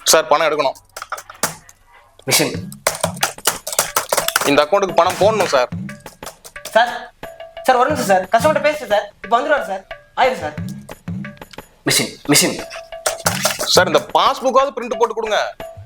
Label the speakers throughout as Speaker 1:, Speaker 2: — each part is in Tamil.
Speaker 1: சார் பணம் எடுக்கணும்.
Speaker 2: மிஷின்.
Speaker 1: இந்த அக்கௌண்ட்டுக்கு பணம் போடணும் சார்.
Speaker 2: சார் சார் ஒரு நிமிஷம் சார், கஸ்டமர்கிட்ட பேசுறேன் சார், இப்போ வந்துடுவார் சார். ஆயிரும் சார். Machine machine.
Speaker 1: சார் இந்த பாஸ்புக்காவது பிரிண்ட் போட்டு கொடுங்க.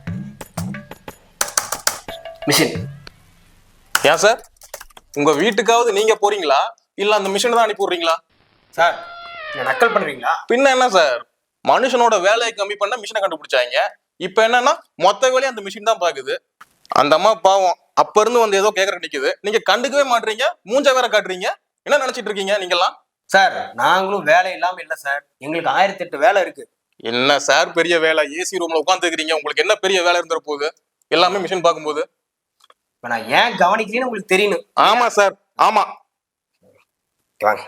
Speaker 2: மிஷின்.
Speaker 1: ஏன் சார் உங்க வீட்டுக்காவது நீங்க போறீங்களா இல்ல அந்த மிஷினை தான் அனுப்பி விடுறீங்களா?
Speaker 2: சார் நீங்க நக்கல் பண்றீங்களா?
Speaker 1: பின்ன என்ன சார், மனுஷனோட வேலையை கம்மி பண்ண மிஷினை கண்டுபிடிச்சாங்க. இப்ப என்னன்னா மொத்த வேலையை அந்த மிஷின் தான் பாக்குது. அந்த அம்மா பாவம் அப்ப இருந்து வந்து ஏதோ கேக்குற நிக்குது, நீங்க கண்டுக்கவே மாட்டீங்க, மூஞ்ச வேற காட்டுறீங்க. என்ன நினைச்சிட்டு இருக்கீங்க நீங்க எல்லாம்?
Speaker 2: சார் நாங்களும் வேலை இல்லாம இல்ல சார், எங்களுக்கு 1008 வேலை இருக்கு.
Speaker 1: என்ன சார் பெரிய வேலை, ஏசி ரூம்ல உட்காந்துக்கிறீங்க, உங்களுக்கு என்ன பெரிய வேலை இருந்துற போகுது எல்லாமே மிஷின் பார்க்கும்போது?
Speaker 2: இப்ப நான் ஏன் கவனிக்கிறேன்னு உங்களுக்கு தெரியணும்.
Speaker 1: ஆமா சார் ஆமா.
Speaker 2: வாங்க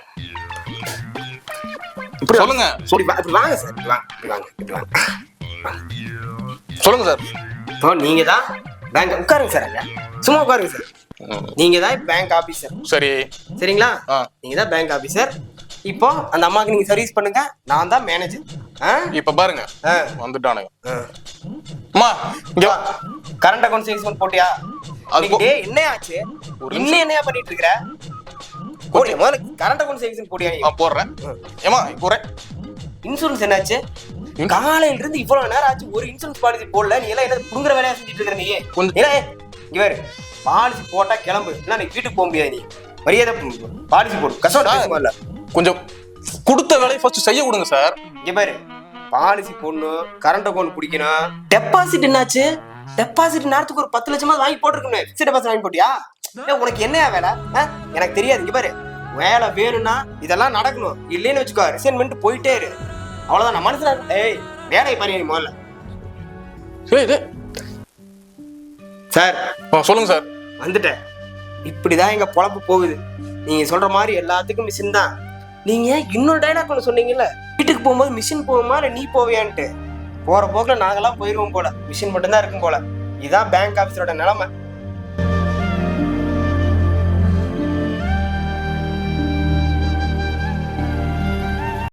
Speaker 1: இப்படி சொல்லுங்க.
Speaker 2: இப்படி வாங்க சார், இப்படி வாங்க இப்படி வாங்க இப்படி வாங்க.
Speaker 1: சொல்லுங்க சார்.
Speaker 2: இப்போ நீங்க தான் பேங்க், உட்காருங்க சார், அங்க சும்மா உட்காருங்க சார். நீங்க தான் பேங்க் ஆபீசர்.
Speaker 1: சரி
Speaker 2: சரிங்களா? நீங்க தான் பேங்க் ஆபீசர். இப்போ அந்த அம்மாக்கு நீங்க சர்வீஸ் பண்ணுங்க, நான் தான் மேனேஜர்.
Speaker 1: இப்ப பாருங்க வந்துட்டானுங்க. அம்மா இங்க வா.
Speaker 2: கரண்ட் அக்கவுண்ட் சேல்ஸ்மேன் போட்டியா? அது என்ன ஆச்சு? இன்னும் என்னையா பண்ணிட்டு இருக்கற? போடியா முதல்ல கரண்ட் அக்கவுண்ட் சேல்ஸ்மேன் போடியா?
Speaker 1: நான் போடுறேன். ஏமா போறேன்.
Speaker 2: இன்சூரன்ஸ் என்னாச்சு? காலையில இருந்து இவ்வளவு நேரம் ஆச்சு, ஒரு இன்சூரன்ஸ் பாலிசி போடல. நீ எல்லாம் என்ன புடுங்குற வேலையா செஞ்சுட்டு இருக்கற? நீ இங்க வேறு பாலிசி போட்டா கிளம்பு, இல்ல நீ வீட்டுக்கு போக முடியாது. நீ மரியாதை பாலிசி போடு. கஷ்டம்
Speaker 1: கொஞ்சம் கொடுத்த வேலையை ஃபர்ஸ்ட் செய்ய விடுங்க சார்.
Speaker 2: இங்க பாரு, பாலிசி போடணும், கரண்ட் அக்கவுண்ட் பிடிக்கணும். டெபாசிட் என்னாச்சு? டெபாசிட் நேரத்துக்கு ஒரு 10 லட்சமா வாங்கி போட்டுருக்கணும். ஃபிக்ஸ்ட் டெபாசிட் வாங்கி போட்டியா? உனக்கு என்னையா வேலை? எனக்கு தெரியாது. இங்க பாரு, வேலை வேணும்னா இதெல்லாம் நடக்கணும், இல்லைன்னு வச்சுக்கோ ரிசைன் பண்ணிட்டு போயிட்டே இரு. அவ்வளவுதான். நான் மனசுல ஏய் வேலையை பாரு நீ முதல்ல. சார்
Speaker 1: சொல்லுங்க சார்.
Speaker 2: வந்துட்டேன். இப்படிதான் எங்க பொழப்பு போகுது. நீங்க சொல்ற மாதிரி எல்லாத்துக்கும் மிஷின் தான். நீங்க இன்னொரு டைலாக் ஒன்று சொன்னீங்கல்ல, வீட்டுக்கு போகும்போது மிஷின் போகுமா இல்ல நீ போவியான்ட்டு. போற போக்குல நாங்கெல்லாம் போயிருவோம் போல, மிஷின் மட்டும்தான் இருக்கும் போல. இதுதான் பேங்க் ஆபீஸரோட நிலைமை.